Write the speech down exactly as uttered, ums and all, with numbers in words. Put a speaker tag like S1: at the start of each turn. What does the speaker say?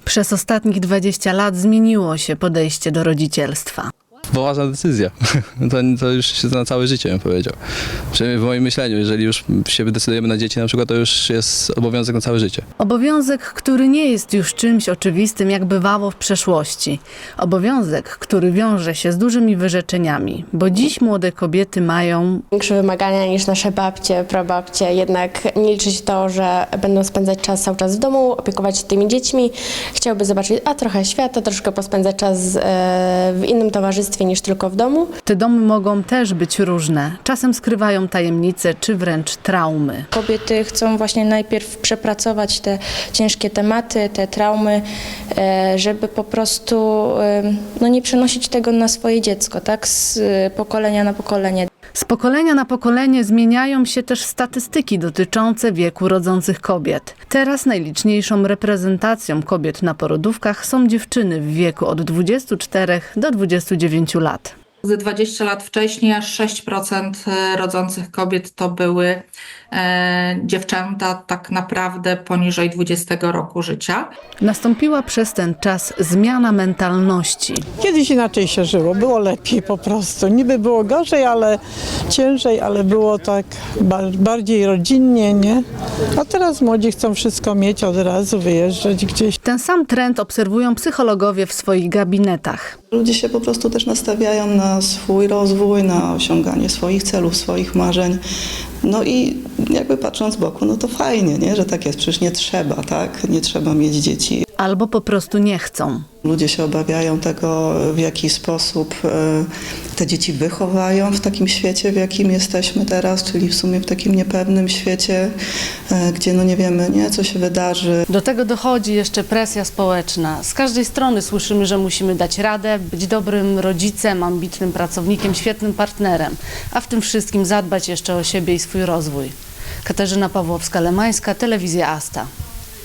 S1: Przez ostatnich dwadzieścia lat zmieniło się podejście do rodzicielstwa.
S2: Poważna decyzja. To, to już się na całe życie, bym powiedział. Przynajmniej w moim myśleniu, jeżeli już się decydujemy na dzieci na przykład, to już jest obowiązek na całe życie.
S1: Obowiązek, który nie jest już czymś oczywistym, jak bywało w przeszłości. Obowiązek, który wiąże się z dużymi wyrzeczeniami, bo dziś młode kobiety mają
S3: większe wymagania niż nasze babcie, prababcie. Jednak nie liczyć to, że będą spędzać czas cały czas w domu, opiekować się tymi dziećmi. Chciałby zobaczyć a trochę świata, troszkę pospędzać czas w innym towarzystwie niż tylko w domu.
S1: Te domy mogą też być różne. Czasem skrywają tajemnice czy wręcz traumy.
S4: Kobiety chcą właśnie najpierw przepracować te ciężkie tematy, te traumy, żeby po prostu no, nie przenosić tego na swoje dziecko, tak, z pokolenia na pokolenie.
S1: Z pokolenia na pokolenie zmieniają się też statystyki dotyczące wieku rodzących kobiet. Teraz najliczniejszą reprezentacją kobiet na porodówkach są dziewczyny w wieku od dwudziestu czterech do dwudziestu dziewięciu lat.
S5: Z dwadzieścia lat wcześniej aż sześć procent rodzących kobiet to były e, dziewczęta tak naprawdę poniżej dwudziestego roku życia.
S1: Nastąpiła przez ten czas zmiana mentalności.
S6: Kiedyś inaczej się żyło, było lepiej po prostu. Niby było gorzej, ale ciężej, ale było tak bardziej rodzinnie, nie? A teraz młodzi chcą wszystko mieć od razu, wyjeżdżać gdzieś.
S1: Ten sam trend obserwują psychologowie w swoich gabinetach.
S7: Ludzie się po prostu też nastawiają na swój rozwój, na osiąganie swoich celów, swoich marzeń. No i jakby patrząc z boku, no to fajnie, nie? Że tak jest. Przecież nie trzeba, tak? Nie trzeba mieć dzieci.
S1: Albo po prostu nie chcą.
S7: Ludzie się obawiają tego, w jaki sposób te dzieci wychowają w takim świecie, w jakim jesteśmy teraz, czyli w sumie w takim niepewnym świecie, gdzie no nie wiemy, nie, co się wydarzy.
S1: Do tego dochodzi jeszcze presja społeczna. Z każdej strony słyszymy, że musimy dać radę, być dobrym rodzicem, ambitnym pracownikiem, świetnym partnerem, a w tym wszystkim zadbać jeszcze o siebie i swój rozwój. Katarzyna Pawłowska-Lemańska, Telewizja Asta.